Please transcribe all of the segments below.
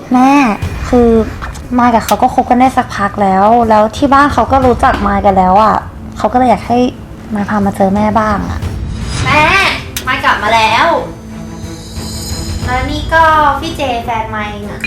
แม่คือมายกับเขาก็คบกันได้สักพักแล้วที่บ้านเขาก็รู้จักมายกันแล้วอ่ะเขาก็เลยอยากให้มายพามาเจอแม่บ้างอ่ะแม่มายกลับมาแล้วนี่ก็พี่เจแฟนมายอ่ะ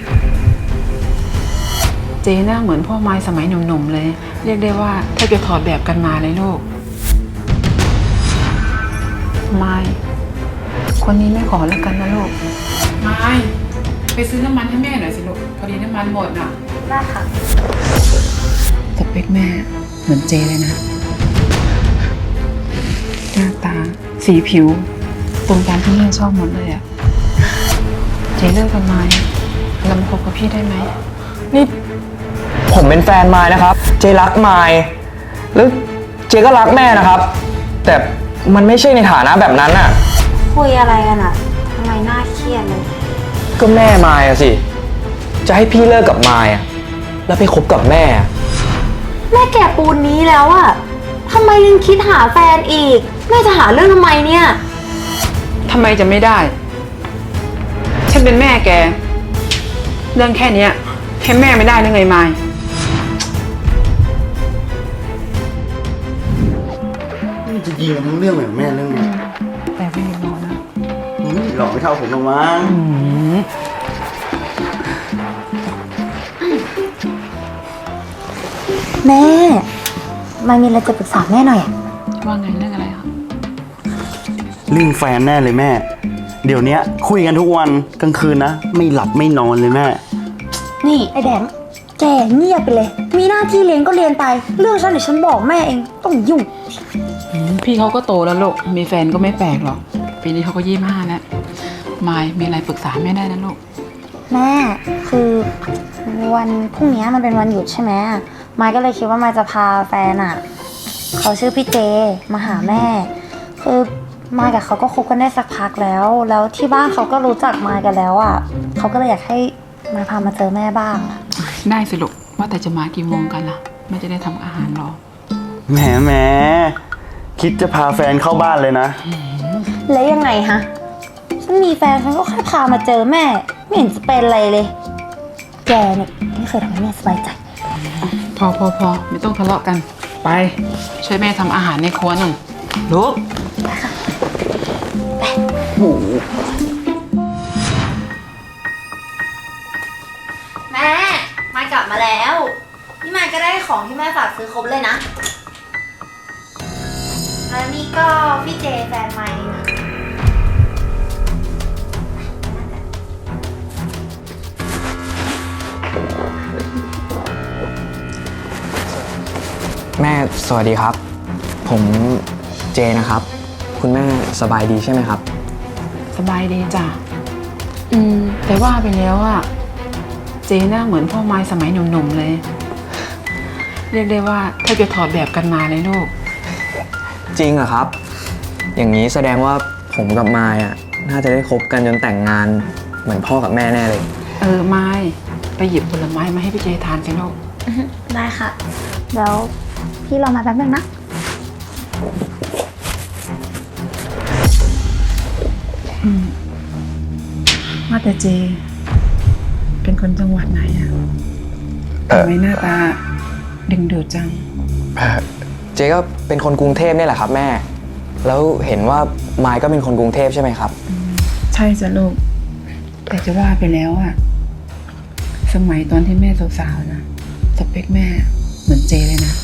เจ๊หน้าเหมือนพ่อไม้สมัยหนุ่มๆเลย เรียกได้ว่าถ้าจะถอดแบบกันมาเลยลูกไม้คนนี้แม่ขอแล้วกันนะลูกไม้ไปซื้อน้ำมันให้แม่หน่อยสิลูกพอดีน้ำมันหมดน่ะได้ค่ะสเปคแม่เหมือนเจเลยนะหน้าตาสีผิวตรงตามที่แม่ชอบหมดเลยอะเจเลิกกันไหมเรามาคบกับพี่ได้ไหมนี่ผมเป็นแฟนมายนะครับเจรักมายแล้วเจก็รักแม่นะครับแต่มันไม่ใช่ในฐานะแบบนั้นน่ะคุยอะไรกันอ่ะทำไมน่าเครียดเลยก็แม่มายอะสิจะให้พี่เลิกกับมายอะแล้วไปคบกับแม่แก่ปูนนี้แล้วอะทำไมยังคิดหาแฟนอีกแม่จะหาเรื่องทำไมเนี่ยทำไมจะไม่ได้ฉันเป็นแม่แกเรื่องแค่นี้ให้แม่ไม่ได้หรือไงมายนี่จะยิงกันทั้งเรื่องเลยแม่เรื่องนี้แต่ไม่รอนะหลอกไม่เท่าผมหรอกมั้งแม่มายมีอะไรจะปรึกษาแม่หน่อยอะว่าไงเรื่องอะไรคะเรื่องแฟนแน่เลยแม่เดี๋ยวนี้คุยกันทุกวันกลางคืนนะไม่หลับไม่นอนเลยแม่นี่ไอแดงแกเงียบไปเลยมีหน้าที่เรียนก็เรียนไปเรื่องฉันเดี๋ยวฉันบอกแม่เองต้องยุ่งพี่เขาก็โตแล้วลูกมีแฟนก็ไม่แปลกหรอกปีนี้เขาก็25แล้วมายมีอะไรปรึกษาแม่ได้นะลูกแม่คือวันพรุ่งนี้มันเป็นวันหยุดใช่ไหมมายก็เลยคิดว่ามายจะพาแฟนอ่ะเขาชื่อพี่เจมาหาแม่คือมายกับเขาก็คบกันได้สักพักแล้วที่บ้านเขาก็รู้จักมายกันแล้วอ่ะเขาก็เลยอยากให้มายพามาเจอแม่บ้างอ่ะได้สิลูกว่าแต่จะมากี่โมงกันล่ะแม่จะได้ทำอาหารรอแหมคิดจะพาแฟนเข้าบ้านเลยนะแล้วยังไงฮะฉันมีแฟนฉันก็แค่พามาเจอแม่ไม่เห็นจะเป็นอะไรเลยแกเนี่ยไม่เคยทำให้แม่สบายใจพอไม่ต้องทะเลาะกันไปช่วยแม่ทำอาหารในครัวหน่อยลูกแม่มายกลับมาแล้วนี่มายก็ได้ของที่แม่ฝากซื้อครบเลยนะแล้วนี่ก็พี่เจแฟนมายนะแม่สวัสดีครับผมเจนะครับคุณแม่สบายดีใช่ไหมครับสบายดีจ้ะแต่ว่าไปแล้วอะเจหน้าเหมือนพ่อไม้สมัยหนุ่มๆเลยเรียกได้ว่าถ้าจะถอดแบบกันมาเลยลูกจริงเหรอครับอย่างนี้แสดงว่าผมกับมายอะน่าจะได้คบกันจนแต่งงานเหมือนพ่อกับแม่แน่เลยไม้ไปหยิบผลไม้มาให้พี่เจทานสิลูกได้ค่ะแล้วพี่รอมาแป๊บนึงนะว่าแต่เจเป็นคนจังหวัดไหนอะทำไมหน้าตาดึงดูดจังเจก็เป็นคนกรุงเทพนี่แหละครับแม่แล้วเห็นว่ามายก็เป็นคนกรุงเทพใช่ไหมครับใช่จ้ะลูกแต่จะว่าไปแล้วอะสมัยตอนที่แม่สาวๆนะสเปคแม่เหมือนเจเลยนะ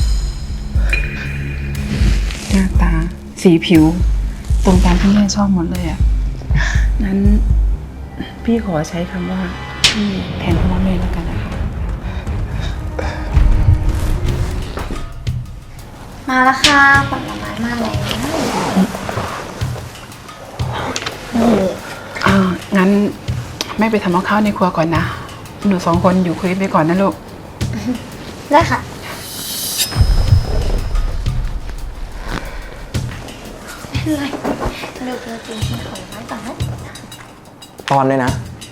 หน้าตาสีผิวตรงตามที่แม่ชอบหมดเลยอะนั้นพี่ขอใช้คำว่าพี่แทนคำว่าแม่แล้วกันนะคะมาแล้วค่ะผลไม้มาแล้วงั้นแม่ไปทำกับข้าวในครัวก่อนนะหนู2 คนอยู่คุยไปก่อนนะลูกได้ค่ะไม่เป็นไรเร็วๆกินผลไม้ก่อนนะตอนเลยนะ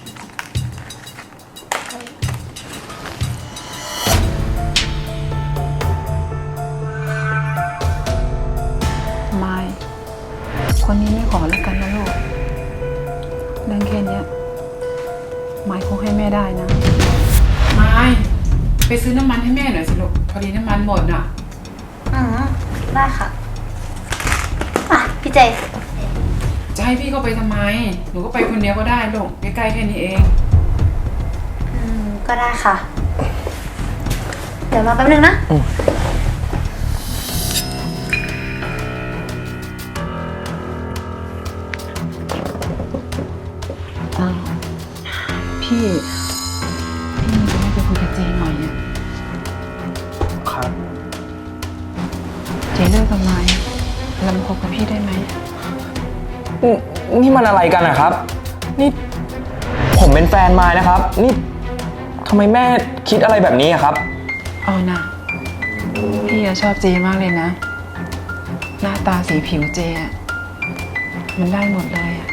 ไม่คนนี้ไม่ขอแล้วกันนะลูกเรื่องแค่นี้ไม่คงให้แม่ได้นะไม้ไปซื้อน้ำมันให้แม่หน่อยสิลูกพอดีน้ำมันหมดอ่ะได้ค่ะอ่ะพี่เจจะให้พี่เข้าไปทำไมหนูก็ไปคนเดียวก็ได้ลูกใกล้ๆแค่นี้เองก็ได้ค่ะ เดี๋ยวรอแป๊บนึงนะพี่มีอะไรจะคุยกับเจหน่อยอ่ะครับเจเลิกกับไม้แล้วมาคบกับพี่ได้ไหมนี่มันอะไรกันนะครับ นี่ผมเป็นแฟนมายนะครับ นี่ทำไมแม่คิดอะไรแบบนี้อะครับเอานะพี่อะชอบเจมากเลยนะ หน้าตาสีผิวเจอะมันได้หมดเลยอะ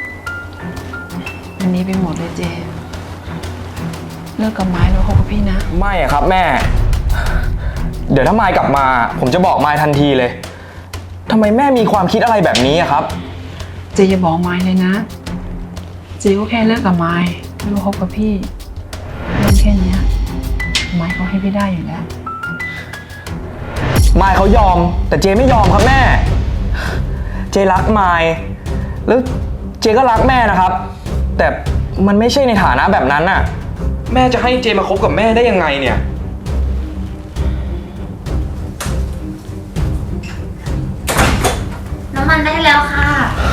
มันนี้ไปหมดเลยเจ เลิกกับไม้แล้วคบกับพี่นะไม่อะครับแม่ เดี๋ยวถ้ามายกลับมา ผมจะบอกมายทันทีเลยทำไมแม่มีความคิดอะไรแบบนี้อะครับเจอย่าบอกไม้เลยนะ เจก็แค่เลิกกับไม้ไม่มาคบกับพี่เรื่องแค่เนี้ยไม้เขาให้พี่ได้อยู่แล้วมายเขายอม แต่เจไม่ยอมครับแม่ เจรักมายแล้วเจก็รักแม่นะครับ แต่มันไม่ใช่ในฐานะแบบนั้นน่ะ แม่จะให้เจมาคบกับแม่ได้ยังไงเนี่ยน้ำมันได้แล้วค่ะ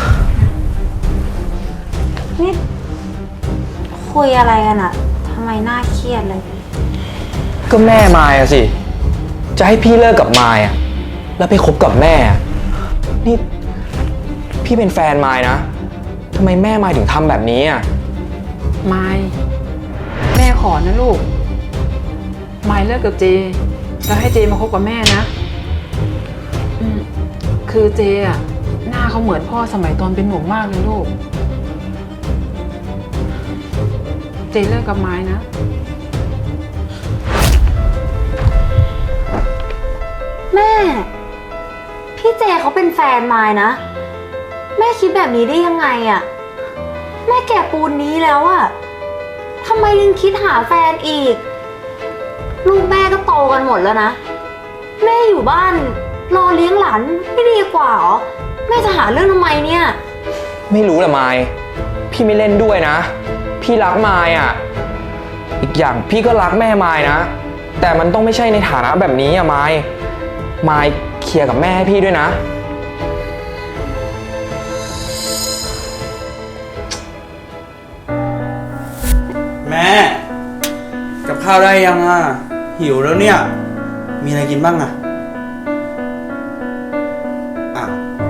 นี่คุยอะไรกันอะทำไมน่าเครียดเลยก็แม่มายอะสิ จะให้พี่เลิกกับมายอะแล้วไปคบกับแม่อะนี่พี่เป็นแฟนมายนะทำไมแม่มายถึงทำแบบนี้อะไม้แม่ขอนะลูก ไม้เลิกกับเจ แล้วให้เจมาคบกับแม่นะคือเจอะหน้าเขาเหมือนพ่อสมัยตอนเป็นหนุ่มมากเลยลูก เจเลิกกับไม้นะแม่ พี่เจเขาเป็นแฟนมายนะ แม่คิดแบบนี้ได้ยังไงอะแม่แก่ปูนนี้แล้วอะทำไมยังคิดหาแฟนอีก ลูกแม่ก็โตกันหมดแล้วนะ แม่อยู่บ้านรอเลี้ยงหลานไม่ดีกว่าเหรอ แม่จะหาเรื่องทำไมเนี่ยไม่รู้แหละมายพี่ไม่เล่นด้วยนะ พี่รักมายอะอีกอย่างพี่ก็รักแม่มายนะ แต่มันต้องไม่ใช่ในฐานะแบบนี้อะมายเคลียร์กับแม่ให้พี่ด้วยนะแม่ กับข้าวได้ยังอ่ะ หิวแล้วเนี่ย มีอะไรกินบ้างอ่ะอ้าว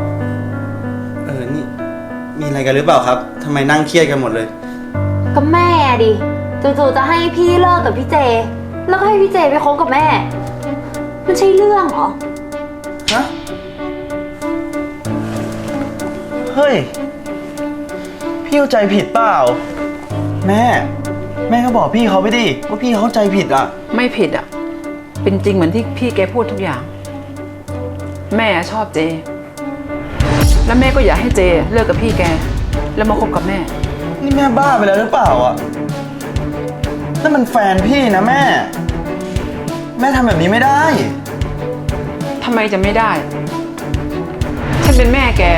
นี่มีอะไรกันหรือเปล่าครับทำไมนั่งเครียดกันหมดเลยก็แม่ดิจู่ๆจะให้พี่เลิกกับพี่เจ แล้วก็ให้พี่เจไปคบกับแม่ มันใช่เรื่องเหรอฮะ เฮ้ย พี่เข้าใจผิดเปล่า แม่ก็บอกพี่เขาไปดิว่าพี่เขาเข้าใจผิดอ่ะไม่ผิดอ่ะ เป็นจริงเหมือนที่พี่แกพูดทุกอย่าง แม่ชอบเจ แล้วแม่ก็อยากให้เจเลิกกับพี่แก แล้วมาคบกับแม่นี่แม่บ้าไปแล้วหรือเปล่าอ่ะนั่นมันแฟนพี่นะแม่ แม่ทำแบบนี้ไม่ได้ทำไมจะไม่ได้ ฉันเป็นแม่แก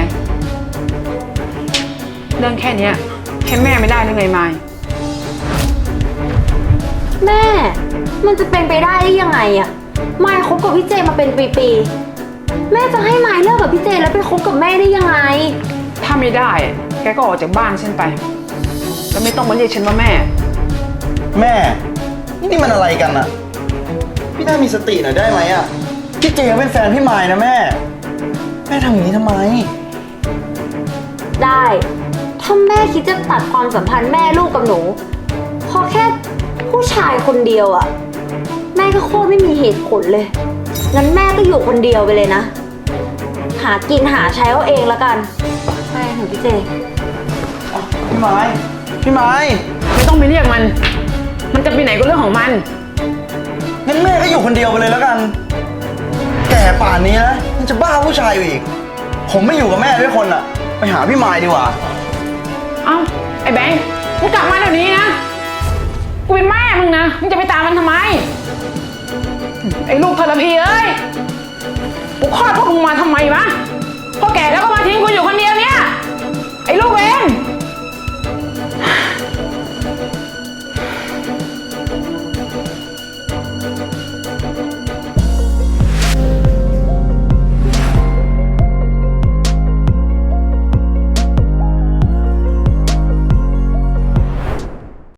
เรื่องแค่เนี้ยแค่แม่ไม่ได้หรือไงมายแม่ มันจะเป็นไปได้ยังไงอะมายคบกับพี่เจมาเป็นปีๆ แม่จะให้มายเลิกกับพี่เจแล้วไปคบกับแม่ได้ยังไงถ้าไม่ได้ แกก็ออกจากบ้านฉันไป แล้วไม่ต้องมาเรียกฉันว่าแม่แม่ นี่มันอะไรกันอ่ะ พี่น่ามีสติหน่อยได้ไหมอ่ะ พี่เจเขาเป็นแฟนพี่มายนะแม่ แม่ทำอย่างนี้ทำไมได้ ถ้าแม่คิดจะตัดความสัมพันธ์แม่ลูกกับหนูเพราะแค่ผู้ชายคนเดียวอะแม่ก็โคตรไม่มีเหตุผลเลย งั้นแม่ก็อยู่คนเดียวไปเลยนะ หากินหาใช้เอาเองละกันไปหนูพี่เจพี่ไม้พี่ไม้ไม่ต้องไปเรียกมัน มันจะไปไหนก็เรื่องของมันงั้นแม่ก็อยู่คนเดียวไปเลยแล้วกัน แก่ป่านนี้นะยังจะบ้าผู้ชายอยู่อีก ผมไม่อยู่กับแม่ด้วยคนอ่ะ ไปหาพี่ไม้ดีกว่าเอ้า ไอ้แบงค์มึงกลับมาเดี๋ยวนี้นะกูเป็นแม่มึงนะ มึงจะไปตามมันทำไม ไอ้ลูกทรพีเอ้ย กูคลอดพวกมึงมาทำไมวะ